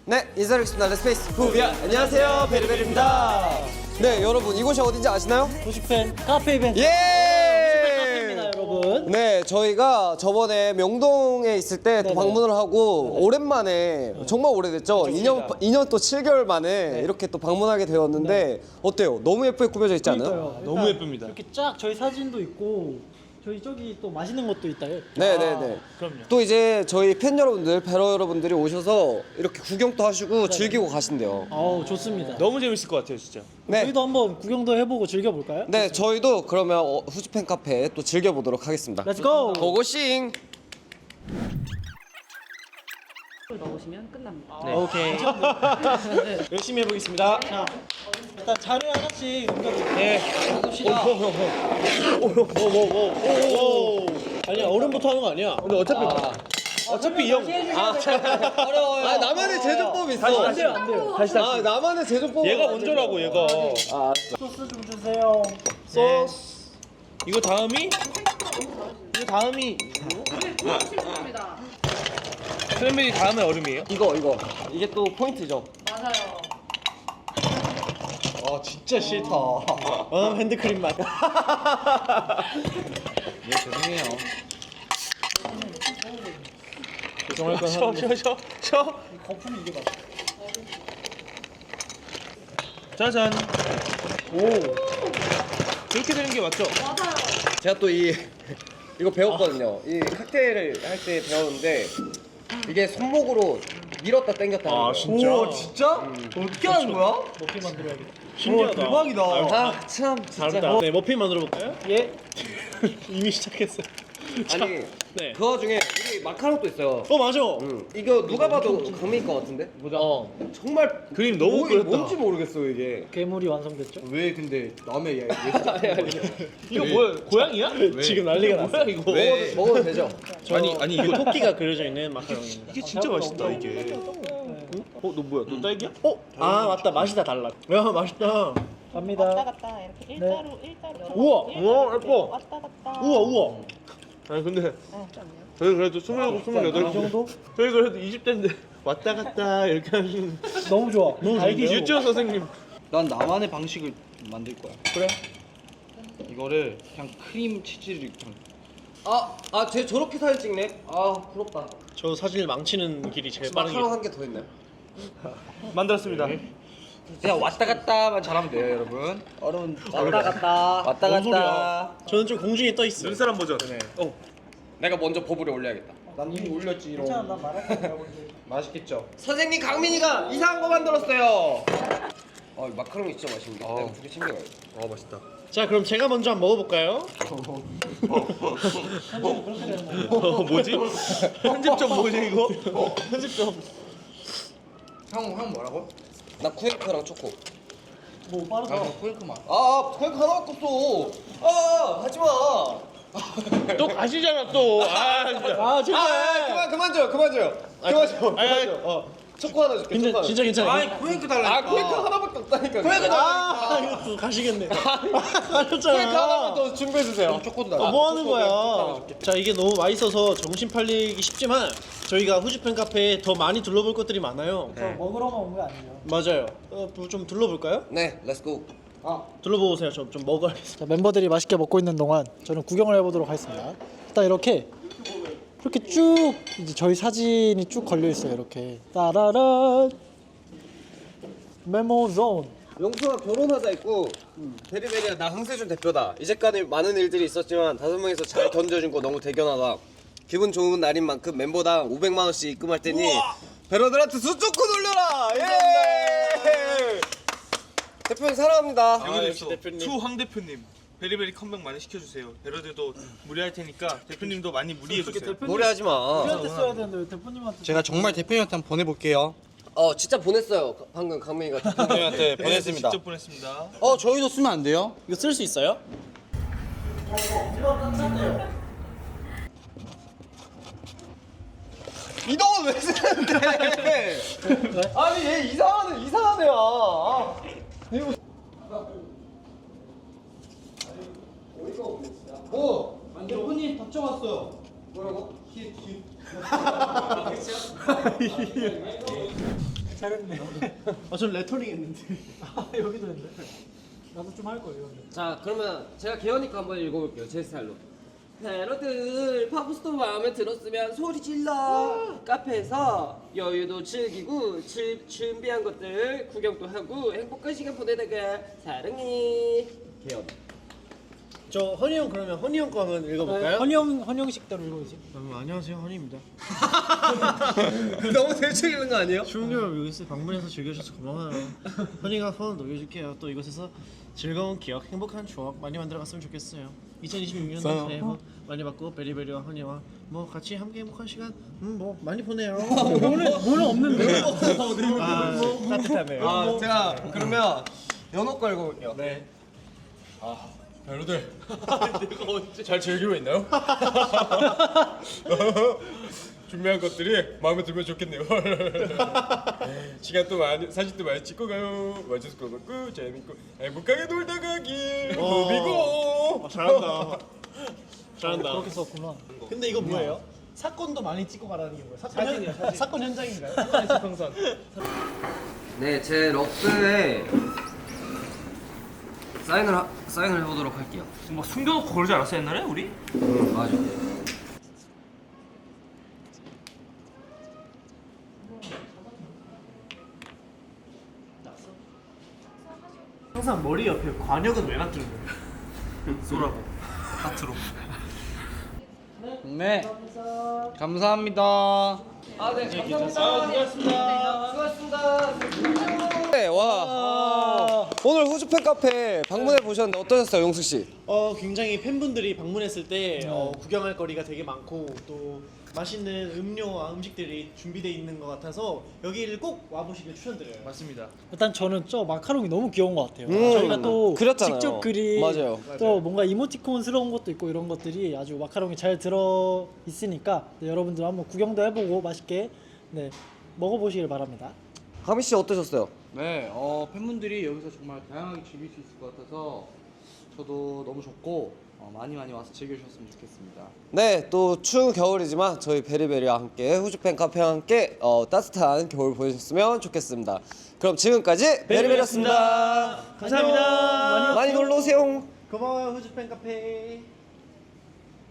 네, 인사드리겠습니다. 레스페이스 후비아. 안녕하세요, 베리베리입니다. 네, 여러분 이곳이 어딘지 아시나요? 후슈팬 카페 이벤트. 예! 카페입니다, 여러분. 네, 저희가 저번에 명동에 있을 때 또 네네. 방문을 하고 오랜만에 정말 오래됐죠. 2년 또 7개월 만에 이렇게 또 방문하게 되었는데 어때요? 너무 예쁘게 꾸며져 있지 않아요? 그러니까요. 너무 예쁩니다. 이렇게 쫙 저희 사진도 있고 저희 저기 또 맛있는 것도 있다요. 네네네. 그럼요. 또 이제 저희 팬 여러분들, 배러 여러분들이 오셔서 이렇게 구경도 하시고 즐기고 가신대요. 아우 좋습니다. 너무 재밌을 것 같아요, 진짜. 네. 저희도 한번 구경도 해보고 즐겨볼까요? 네, 저희도 그러면 후지팬 카페 또 즐겨보도록 하겠습니다. 렛츠 고! 고고싱! 넣으시면 끝납니다. 네. 오케이. 열심히 해보겠습니다. 자, 일단 자료 하나씩 넘겨드릴게요. 네. 오. 아니야, 어른부터 하는 거 아니야? 근데 어차피 이 형. 어려워요. 아, 나만의 제조법이 있어. 안 돼요, 안 돼요. 다시. 아, 나만의 제조법. 얘가 먼저라고, 얘가. 소스 좀 주세요. 소스. 이거 다음이? 크랜베리 다음에 얼음이에요? 이거. 이게 또 포인트죠. 맞아요. 아, 진짜 싫다. 핸드크림 맛. 죄송할 건 쉬어. 거품이 이게 맛. 짜잔. 오. 그렇게 되는 게 맞죠? 제가 또 이거 배웠거든요. 이 칵테일을 할 때 배웠는데 이게 손목으로 밀었다 당겼다 하는 거예요. 진짜? 진짜? 어떻게 하는 거야? 머핀 만들어야겠다. 신기하다. 대박이다. 아, 참 진짜. 다르다. 네, 머핀 만들어 볼까요? 예. 이미 시작했어요. 아니, 네. 그 와중에 우리 마카롱도 있어요. 맞아. 이거 누가 봐도 강민이 거 같은데? 보자. 정말 그림 너무 이게 그렸다. 뭔지 모르겠어 이게. 괴물이 완성됐죠? 왜 근데 남의 이거 뭐야? 고양이야? 지금 난리가 뭐야 났어요. 이거? 먹어도 되죠? 아니 이거 토끼가 그려져 있는 마카롱입니다. 이게 진짜 맛있다 이게. 너 뭐야? 너 딸기야? 아 맞다, 맛이 다 달라. 야 맛있다. 왔다 갑니다. 갔다 이렇게 일자로 우와, 우와, 예뻐. 왔다 갔다 우와. 아니 근데 저희 그래도 27, 28 이 정도? 저희 그래도 20대인데 왔다 갔다 이렇게 하시는 너무 좋아. 너무 알기 유치원 선생님. 난 나만의 방식을 만들 거야. 그래? 이거를 그냥 크림 치즈를 그냥 쟤 저렇게 사진 찍네. 아, 부럽다. 저 사진을 망치는 길이 제일 빠른 길. 마카롱 한 개 더 있네. 만들었습니다. 그냥 왔다 갔다만 잘하면 돼요, 여러분. 얼음 왔다 갔다. 왔다 뭔 소리야? 저는 좀 공중에 떠 있어요. 눈사람 버전. 내가 먼저 버블에 올려야겠다. 난 이미 올렸지 이런. 괜찮아, 난 말할 거야. 맛있겠죠? 선생님 강민이가 이상한 거 만들었어요. 마카롱이 진짜 맛있는데. 내가 두개 챙겨가야겠다. 맛있다. 자, 그럼 제가 먼저 한번 먹어볼까요? 뭐지? 편집점 뭐지 이거? 편집점. 형 뭐라고? 나 쿠에크랑 초코. 뭐 빠르다. 꿀크 맛. 쿠에크 하나밖에 없어. 하지 마. 또 가시잖아 또. 아 진짜. 아 제발. 그만 줘요. 그만 줘. 초코 하나 줄게. 초코 하나. 진짜 괜찮아. 꿀크 달라. 쿠에크 하나밖에 없다니까. 아 이거 가시겠네. 쿠에크 가셨잖아. 하나만 더 준비해 주세요. 초코도 달라. 뭐 하는 거야? 자, 이게 너무 맛있어서 정신 팔리기 쉽지만 저희가 후지팬 카페에 더 많이 둘러볼 것들이 많아요. 먹으러만 온 거 아니에요? 맞아요. 좀 둘러볼까요? 네, 렛츠고. 둘러보세요. 좀 먹어야겠습니다. 멤버들이 맛있게 먹고 있는 동안 저는 구경을 해보도록 하겠습니다. 일단 이렇게 쭉 이제 저희 사진이 쭉 걸려 있어요. 이렇게 따라란 메모존. 용서가 결혼하자 있고 베리베리야 나 황세준 대표다. 이제까지 많은 일들이 있었지만 5명이서 잘 견뎌준 거 너무 대견하다. 기분 좋은 날인 만큼 멤버당 500만 원씩 입금할 테니 베러들한테 수초코 돌려라. 예! 대표님 사랑합니다. 여기도 있어. 투황 대표님. 베리베리 컴백 많이 시켜주세요. 베러들도 무리할 테니까 대표님도 많이 무리해주세요. 노래하지 마. 우리한테 써야 되는데 왜 대표님한테? 제가 정말 대표님한테 한번 보내볼게요. 진짜 보냈어요. 방금 강민이가. 대표님한테 보냈습니다. 직접 보냈습니다. 저희도 쓰면 안 돼요? 이거 쓸 수 있어요? 이동은 왜 쓰는데? 아니 얘 이상한 애야. 대표님 답장 왔어요. 뭐라고? 잘했네. 전 레터링 했는데. 여기도 했네. 나도 좀 할 거예요. 자 그러면 제가 개연이 거 한번 읽어볼게요 제 스타일로. 여러분들 팝스토어 마음에 들었으면 소리 질러. 카페에서 여유도 즐기고 준비한 것들 구경도 하고 행복한 시간 보내다가 사랑해. 개연. 저 허니 형 그러면 허니 형 거 한번 읽어볼까요? 헌영 식대로 읽어주세요. 안녕하세요 허니입니다. 너무 대충 읽는 거 아니에요? 추운 겨울 이곳에 방문해서 즐겨주셔서 고마워요. 허니가 손을 녹여줄게요. 또 이곳에서 즐거운 기억, 행복한 추억 많이 만들어갔으면 좋겠어요. 2026년도 새해 복 많이 받고 베리베리와 허니와 뭐 같이 함께 행복한 시간 뭐 많이 보내요. 뭐는 없는데. 따뜻하네요. 아 제가 그러면 연호 거 읽어볼게요. 네. 여러분들 잘 즐기고 있나요? 준비한 것들이 마음에 들면 좋겠네요. 시간도 많이 사진도 많이 찍고 가요. 와줘서 고맙고 재밌고 행복하게 놀다 가길. 무비고. 잘한다. 잘한다. 그렇게 썼구나. 근데 이거 뭐예요? 사건도 많이 찍고 가라는 게 뭐예요? 사진이요, 사진. 사건 현장인가요? 지평선. 네, 제 러프에 사인을 해보도록 할게요. 막 숨겨놓고 그러지 않았어 옛날에 우리? 맞아. 항상 머리 옆에 관역은 왜 놔두는 거예요? 쏘라고 하트로. 네. 감사합니다. 아, 네, 감사합니다. 수고하셨습니다. 네, 와. 오늘 후주팬 카페 방문해 보셨는데 어떠셨어요, 용숙 씨? 굉장히 팬분들이 방문했을 때 구경할 거리가 되게 많고 또 맛있는 음료와 음식들이 준비되어 있는 것 같아서 여기를 꼭 와보시길 추천드려요. 맞습니다. 일단 저는 저 마카롱이 너무 귀여운 것 같아요. 저희가 또 그렸잖아요. 직접 그린 맞아요. 또 뭔가 이모티콘스러운 것도 있고 이런 것들이 아주 마카롱이 잘 들어 있으니까 네, 여러분들 한번 구경도 해보고 맛있게 네, 먹어보시길 바랍니다. 가미 씨 어떠셨어요? 네, 팬분들이 여기서 정말 다양하게 즐길 수 있을 것 같아서 저도 너무 좋고 많이 와서 즐겨주셨으면 좋겠습니다. 네, 또 추운 겨울이지만 저희 베리베리와 함께 후주팬 카페와 함께 따뜻한 겨울 보내셨으면 좋겠습니다. 그럼 지금까지 베리베리였습니다. 감사합니다. 많이 놀러 오세요. 고마워요 후주팬 카페.